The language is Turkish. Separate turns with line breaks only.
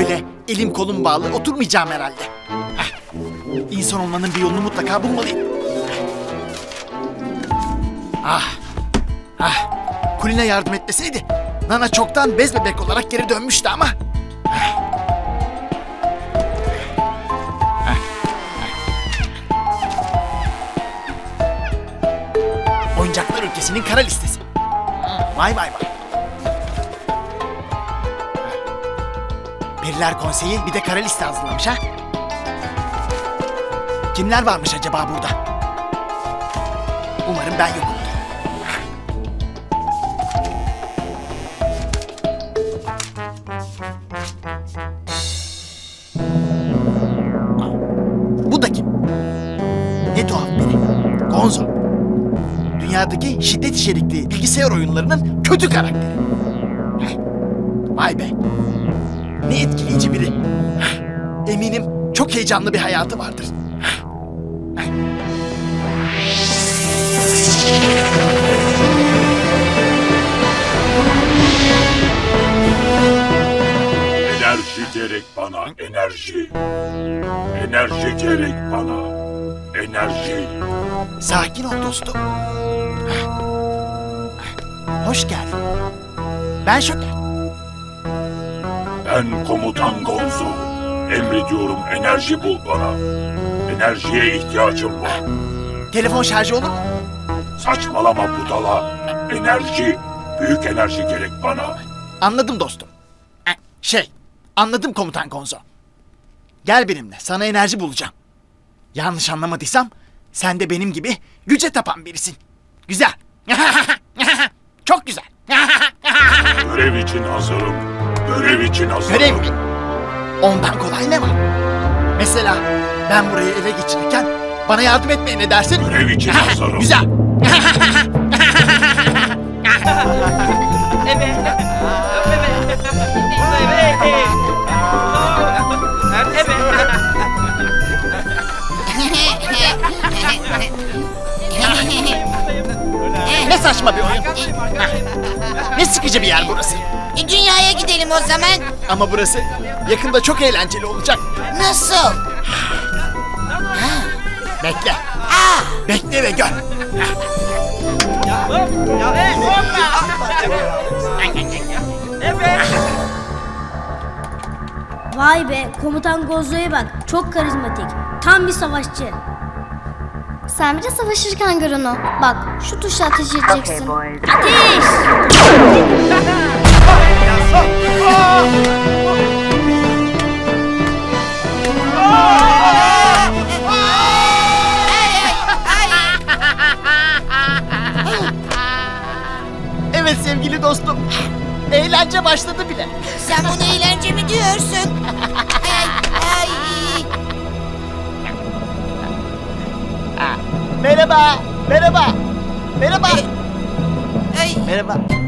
Öyle elim kolum bağlı oturmayacağım herhalde. Heh. İnsan olmanın bir yolunu mutlaka bulmalıyım. Kulina yardım etmeseydi Nana çoktan bez bebek olarak geri dönmüştü ama. Oyuncaklar ülkesinin kara listesi. Vay vay vay. Periler Konseyi bir de kara liste hazırlamış ha. Kimler varmış acaba burada? Umarım ben yokumdur. Bu da kim? Ne tuhaf biri. Gonzo. Dünyadaki şiddet içerikli bilgisayar oyunlarının kötü karakteri. Vay be. Ne etkileyici biri. Eminim çok heyecanlı bir hayatı vardır.
Enerji gerek bana, enerji. Enerji gerek bana, enerji.
Sakin ol dostum. Hoş geldin. Ben Şoker.
Ben komutan Gonzo. Emrediyorum, enerji bul bana. Enerjiye ihtiyacım var.
Telefon şarjı olur mu?
Saçmalama budala. Enerji, büyük enerji gerek bana.
Anladım dostum. Anladım komutan Gonzo. Gel benimle, sana enerji bulacağım. Yanlış anlamadıysam, sen de benim gibi güce tapan birisin. Güzel. Çok güzel.
Görev için hazırım. Görev için hazırım.
Görev mi? Ondan kolay ne var? Mesela ben burayı ele geçirirken bana yardım etmeye ne dersin?
Görev için hazırım.
Güzel. Ne saçma bir oyun. Ne sıkıcı bir yer burası.
Dünyaya gidelim o zaman.
Ama burası yakında çok eğlenceli olacak.
Nasıl?
Bekle. Bekle ve gör.
Vay be, komutan Gonzo'ya bak. Çok karizmatik. Tam bir savaşçı.
Sen bir de savaşırken gör onu. Bak şu tuşa ateş edeceksin.
Ateş!
Evet sevgili dostum. Eğlence başladı bile.
Sen bunu eğlence mi diyorsun? Ay.
Merhaba. Merhaba. Merhaba.
Ay.
Merhaba.